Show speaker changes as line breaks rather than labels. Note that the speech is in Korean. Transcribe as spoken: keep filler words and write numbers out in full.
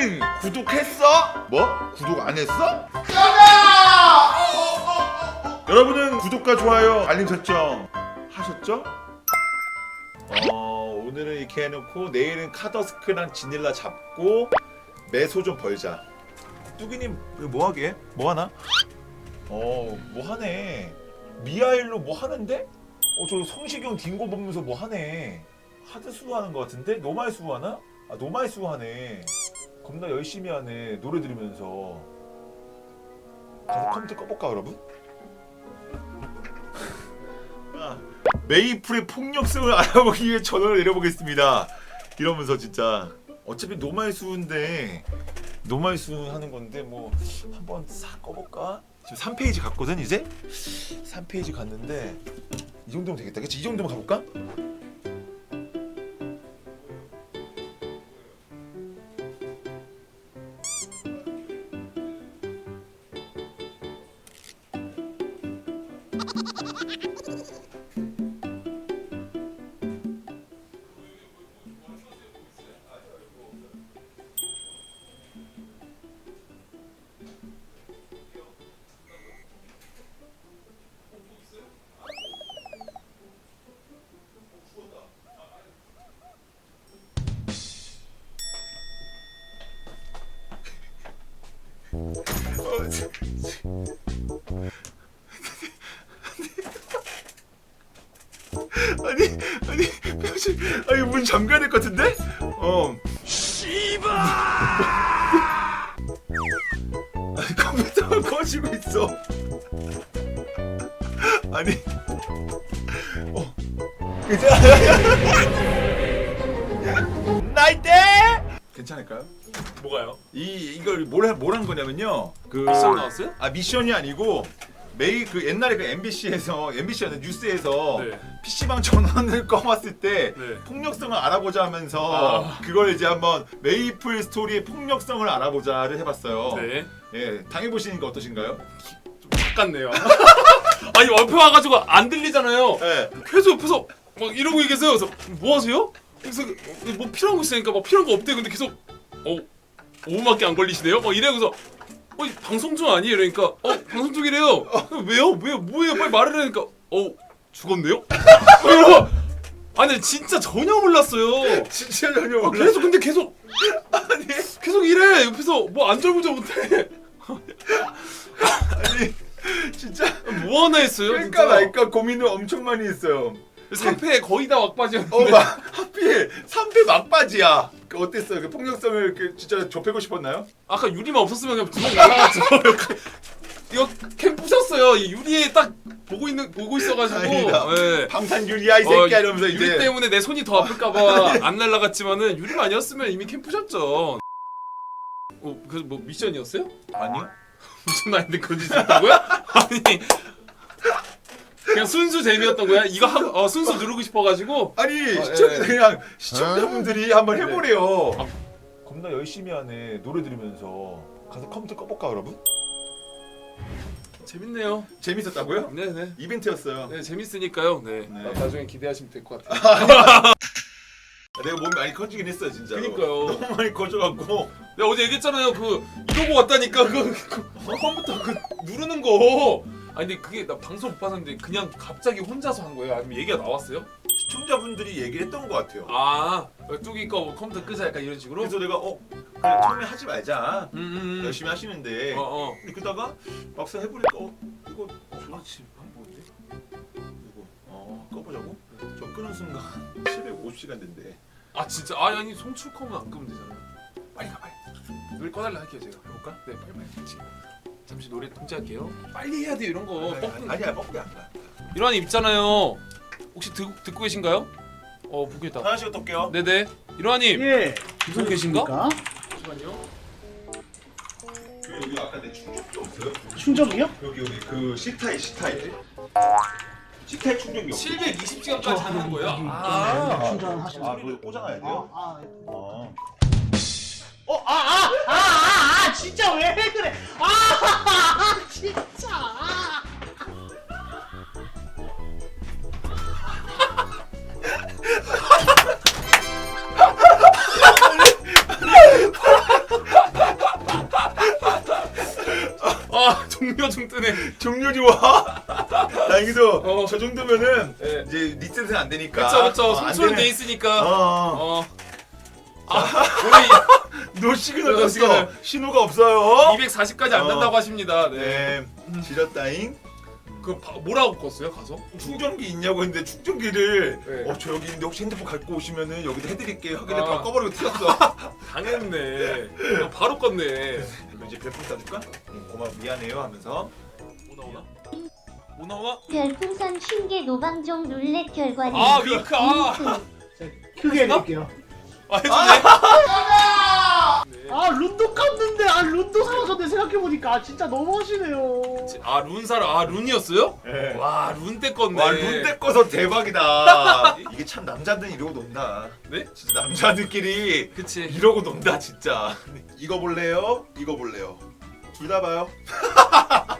너는 구독했어? 뭐? 구독 안 했어? 여러분은 구독과 좋아요, 알림 설정 하셨죠? 어, 오늘은 이렇게 해놓고 내일은 카더스크랑 지닐라 잡고 매소 좀 벌자. 뚜기님 뭐 하게? 뭐 하나? 어, 뭐 하네. 미하일로 뭐 하는데? 어, 저 성시경 딩고 보면서 뭐 하네. 하드 수하는 것 같은데? 노말 수하나? 아, 노말 수하네. 겁나 열심히 하네. 노래 들으면서. 가서 컴퓨터 꺼볼까, 여러분? 아, 메이플의 폭력성을 알아보기 위해 전원을 내려보겠습니다. 이러면서 진짜 어차피 노말 수인데 노말 수 하는 건데 뭐 한번 싹 꺼볼까? 지금 삼 페이지 갔거든 이제? 삼 페이지 갔는데 이 정도면 되겠다. 그치? 이 정도면 가볼까? 아니 아니 표지 아니 문 잠가야 될 것 같은데? 어. 씨발. 아니 컴퓨터가 꺼지고 있어. 아니. 어. 이제. 나이트. 괜찮을까요?
뭐가요?
이 이걸 뭘뭘한 거냐면요. 그
미션 나왔어요?
아 미션이 아니고 메이 그 옛날에 그 엠비씨에서 엠비씨였는 뉴스에서
네.
피씨방 전원을 꺼봤을 때
네.
폭력성을 알아보자 하면서
아.
그걸 이제 한번 메이플 스토리의 폭력성을 알아보자를 해봤어요.
네.
예, 당해보시니까 어떠신가요?
좀 바꿨네요. 아니 옆에 와가지고 안 들리잖아요.
예.
계속 옆에서 막 이러고 계세요. 그래서 뭐 하세요? 그래서 뭐 필요한 거 있으니까 막 필요한 거 없대. 근데 계속 어 오 분밖에 안 걸리시네요. 막 이래 그래서 어 방송 중 아니에요? 이러니까 어 방송 중이래요. 어, 왜요? 왜요? 뭐예요? 빨리 말을 하니까 어 죽었네요? 이러고 아니 진짜 전혀 몰랐어요.
진짜 전혀
아,
몰라.
계속 근데 계속
아니,
계속 이래 옆에서 뭐 안절부절 못해.
아니 진짜
뭐 하나 했어요?
그러니까
진짜.
말까 고민을 엄청 많이 했어요.
삼 패 거의 다 막바지였는데.
어, 막 하필 삼 패 막바지야. 그 어땠어요? 그 폭력성을 그 진짜 좁히고 싶었나요?
아까 유리만 없었으면 그냥 주먹 날라갔죠. 이거 캠 부셨어요. 이 유리에 딱 보고 있는 보고 있어가지고.
아니다.
예.
방탄 유리야 이 새끼야 이러면서
유리
이제
때문에 내 손이 더 아플까봐 안 날라갔지만은 유리만 아니었으면 이미 캠 부셨죠. 어, 그래서 뭐 미션이었어요?
아니요.
미션 아닌데 그런 짓 했다고요? 아니. 그냥 순수 재미였던 거야? 이거 하고 어, 순수 누르고 싶어가지고.
아니
아,
시청
예.
그냥 시청자분들이 한번 해보래요.
아.
겁나 열심히 하네. 노래 들으면서 가서 컴퓨터 꺼볼까 여러분?
재밌네요.
재밌었다고요?
네네.
이벤트였어요.
네 재밌으니까요. 네.
네.
나, 나중에 기대하시면 될 것 같아요.
내가 몸이 많이 커지긴 했어 진짜.
그니까요.
너무 많이 커져갖고.
내가 어제 얘기했잖아요. 그 이러고 왔다니까 그, 그 컴퓨터 그 누르는 거. 아니 근데 그게 나 방송 못 봤는데 그냥 갑자기 혼자서 한 거예요? 아니면 얘기가 나왔어요?
시청자분들이 얘기를 했던 것 같아요.
아 뚜기 거 컴퓨터 끄자 약간 이런 식으로?
그래서 내가 어 그래, 처음에 하지 말자.
음, 음, 음.
열심히 하시는데.
어, 어.
근데 그러다가 막상 해보니까 어 이거
좋지.
뭔데? 이거 어 꺼보자고? 저 끄는 순간 칠백오십 시간 된대.
아 진짜? 아니 아니 송출컴은 안 끄면 되잖아요.
빨리 가 빨리.
노래 꺼달라 할게요 제가. 해볼까? 네 빨리 빨리 지금. 잠시 노래 통제할게요. 빨리 해야 돼요 이런 거.
아니,
뻑
아니야 뻑이 안 가.
일환이 있잖아요. 혹시 듣, 듣고 계신가요? 어 보고 있다.
하나씩 어떨게요?
네네. 일환님
예.
듣고 계신가?
그러니까.
잠시만요.
여기 아까 내 충전기 없어요?
충전기요?
여기 여기 그 C타입 C타입 C타입 충전기 없어요?
칠백이십 시간까지 하는 거예요?
아,
아,
충전하시는
아 그거 꽂아놔야 돼요?
아,
어.
어, 아, 아, 아, 아, 아, 진짜 왜 그래? 아, 아, 진짜.
종료 중 뜨네.
종료 좋아. 다행히도
어.
저 정도면은
네.
이제 리셋은 안 되니까.
그쵸 그쵸.
어, 안
송출은
되네.
돼 있으니까.
어. 어.
어. 아 우리
노 시그널
노
떴어.
시그널.
신호가 없어요.
이백사십까지 안
어.
난다고 하십니다. 네.
네. 지렸다잉.
그 바, 뭐라고 껐어요 가서?
충전기 있냐고 했는데 충전기를
네.
어 저 여기 있는데 혹시 핸드폰 갖고 오시면은 여기다 해드릴게요 하길래
아.
바로 꺼버리고 튀었어.
당했네. 어, 바로 껐네.
그리고 이제 별풍 쏴줄까? 응, 고마워 미안해요 하면서
뭐 나오나? 뭐 나오나?
별풍선 쉰개 노방종 룰렛 결과는
아 윙크 아.
크게 해드릴게요.
아 해주네. 네.
아 룬도 깠는데 아 룬도 사라졌네 생각해보니까 아, 진짜 너무하시네요.
아 룬사라 아 룬이었어요?
네.
와 룬 때 껐네.
와 룬대 꺼서 대박이다. 이게 참 남자들은 이러고 논다.
네?
진짜 남자들끼리
그치.
이러고 논다 진짜. 이거 볼래요? 이거 볼래요? 둘 다 봐요.